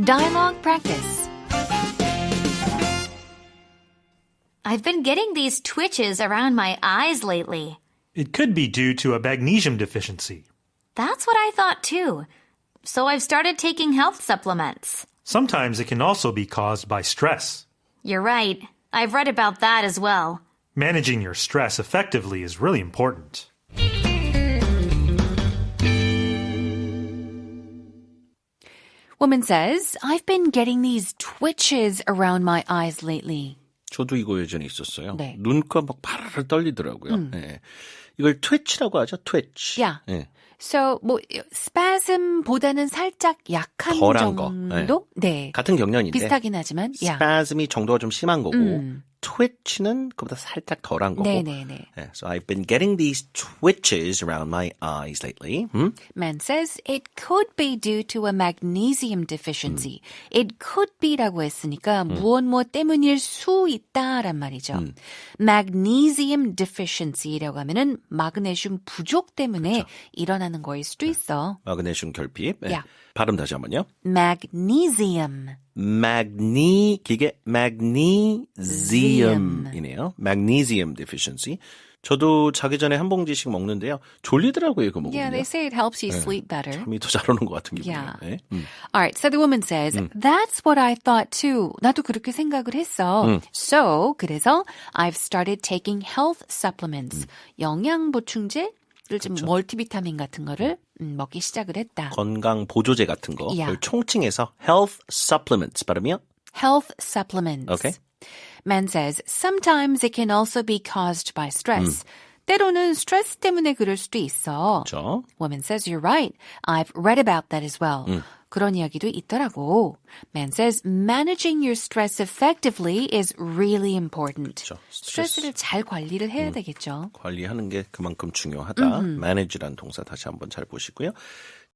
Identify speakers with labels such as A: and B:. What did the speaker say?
A: Dialogue practice. I've been getting these twitches around my eyes lately.
B: It could be due to a magnesium deficiency.
A: That's what I thought too. So I've started taking health supplements.
B: Sometimes it can also be caused by stress.
A: You're right. I've read about that as well.
B: Managing your stress effectively is really important.
C: Woman says, I've been getting these twitches around my eyes lately.
D: 저도 이거 예전에 있었어요.
C: 네.
D: 눈가 막 파르르 떨리더라고요. 예. 이걸 twitch라고 하죠. twitch.
C: Yeah.
D: 예.
C: So, spasm보다는 살짝 약한
D: 덜한 거.
C: 정도? 네.
D: 같은 경련인데
C: 비슷하긴 하지만, yeah.
D: spasm이 정도가 좀 심한 거고 twitch는 그보다 살짝 덜한 거고.
C: 네네네.
D: 예, so I've been getting these twitches around my eyes lately.
C: Man says it could be due to a magnesium deficiency. It could be라고 했으니까 무엇 때문일 수 있다란 말이죠. Magnesium deficiency라고 하면은 마그네슘 부족 때문에 일어나는 거일 수도 있어.
D: 마그네슘 결핍. 예.
C: Yeah.
D: 발음 다시 한번요.
C: Magnesium.
D: 이게 magnesium이네요. Magnesium deficiency. 저도 자기 전에 한 봉지씩 먹는데요. 졸리더라고요, 이거 먹으면.
C: Yeah, they say it helps you sleep better.
D: 잠이 더 잘 오는 것 같은 기분이에요.
C: Yeah.
D: 네.
C: All right, so the woman says, that's what I thought too. 나도 그렇게 생각을 했어. So, 그래서 I've started taking health supplements. 영양 보충제를 좀 멀티비타민 같은 거를 먹기 시작을 했다.
D: 건강 보조제 같은 거.
C: Yeah.
D: 그걸 총칭해서 health supplements 발음이요?
C: Health supplements.
D: Okay.
C: Man says, sometimes it can also be caused by stress. 때로는 스트레스 때문에 그럴 수도 있어.
D: 그렇죠.
C: Woman says, you're right. I've read about that as well. 그런 이야기도 있더라고. Man says, managing your stress effectively is really important.
D: 그렇죠.
C: 스트레스를 잘 관리를 해야 되겠죠.
D: 관리하는 게 그만큼 중요하다. manage란 동사 다시 한번 잘 보시고요.